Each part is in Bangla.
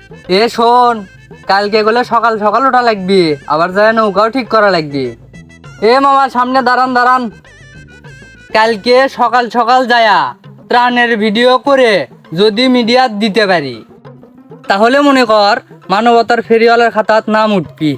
এ শোন, কালকে গেলে সকাল সকাল ওঠা লাগবি, আবার যায় নৌকাও ঠিক করা লাগবি। এ মামা সামনে দাঁড়ান দাঁড়ান, কালকে সকাল সকাল যায়া ত্রাণের ভিডিও করে যদি মিডিয়াত দিতে পারি, তাহলে মনে কর মানবতার ফেরিওয়ালার খাতাত নাম উঠবি।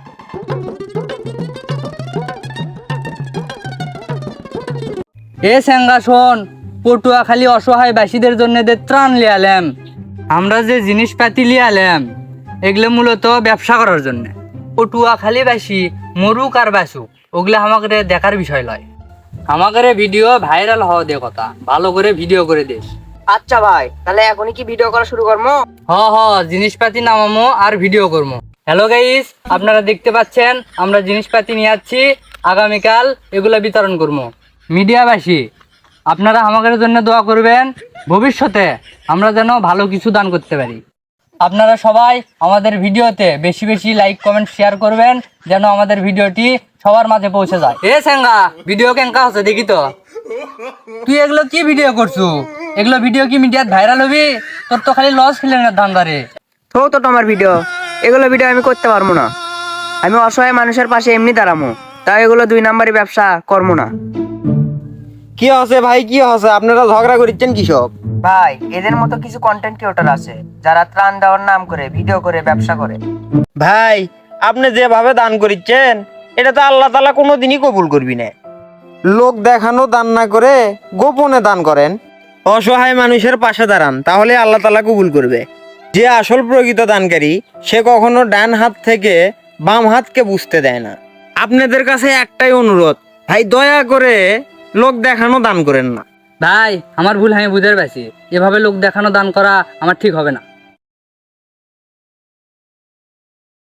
এ স্যাঙ্গা শোন, পটুয়াখালী অসহায় বাসীদের জন্য যে ত্রাণ লিয়ালাম, আমরা যে জিনিসপাতি লিয়ালাম, এগুলো মূলত ব্যবসা করার জন্য। পটুয়াখালী বাসী মরুক আর বাসুক, ওগুলো আমাকে দেখার বিষয় নয়। আমাকে ভিডিও ভাইরাল হওয়া দে কথা, ভালো করে ভিডিও করে দিস। আচ্ছা ভাই, তাহলে এখনই কি ভিডিও করা শুরু করবো? হ জিনিসপাতি নামামো আর ভিডিও করবো। হ্যালো গাইস, আপনারা দেখতে পাচ্ছেন আমরা জিনিসপাতি নিয়ে যাচ্ছি, আগামীকাল এগুলো বিতরণ করবো। মিডিয়াবাসী আপনারা আমাদের জন্য দোয়া করবেন, ভবিষ্যতে আমরা যেন ভালো কিছু দান করতে পারি। আপনারা সবাই আমাদের ভিডিওতে বেশি বেশি লাইক কমেন্ট শেয়ার করবেন, যেন আমাদের ভিডিওটি সবার মাঝে পৌঁছে যায়। এ স্যাঙ্গা, ভিডিও কেঙ্কা হচ্ছে দেখি তো। তুই এগুলো কি ভিডিও করছু? এগুলো ভিডিও কি মিডিয়াত ভাইরাল হবি? তোর তো খালি লস খেলেন ধান্দারে। তো তোমার ভিডিও, এগুলো ভিডিও আমি করতে পারবো না। আমি অসহায় মানুষের পাশে এমনি দাঁড়ামো, তাই এগুলো 2 নাম্বারি ব্যবসা করবো না। কি হচ্ছে ভাই, কি হচ্ছে? আপনারা ঝগড়া করছেন কৃষক? ভাই, এদের মতো কিছু কন্টেন্ট ক্রিয়েটর আছে যারা ত্রাণ দেওয়ার নাম করে ভিডিও করে ব্যবসা করে। ভাই, আপনি যেভাবে দান করিচ্ছেন, এটা তো আল্লাহ তাআলা কোনোদিনই কবুল করবি না। লোক দেখানো দান না করে গোপনে দান করেন, অসহায় মানুষের পাশে দাঁড়ান, তাহলে আল্লাহ তাআলা কবুল করবে। যে আসল প্রকৃত দানকারী, সে কখনো ডান হাত থেকে বাম হাতকে বুঝতে দেয় না। আপনাদের কাছে একটাই অনুরোধ, ভাই দয়া করে লোক দেখানো দান করেন না। ভাই আমার ভুল, আমি বুঝতে পারছি, এভাবে লোক দেখানো দান করা আমার ঠিক হবে না।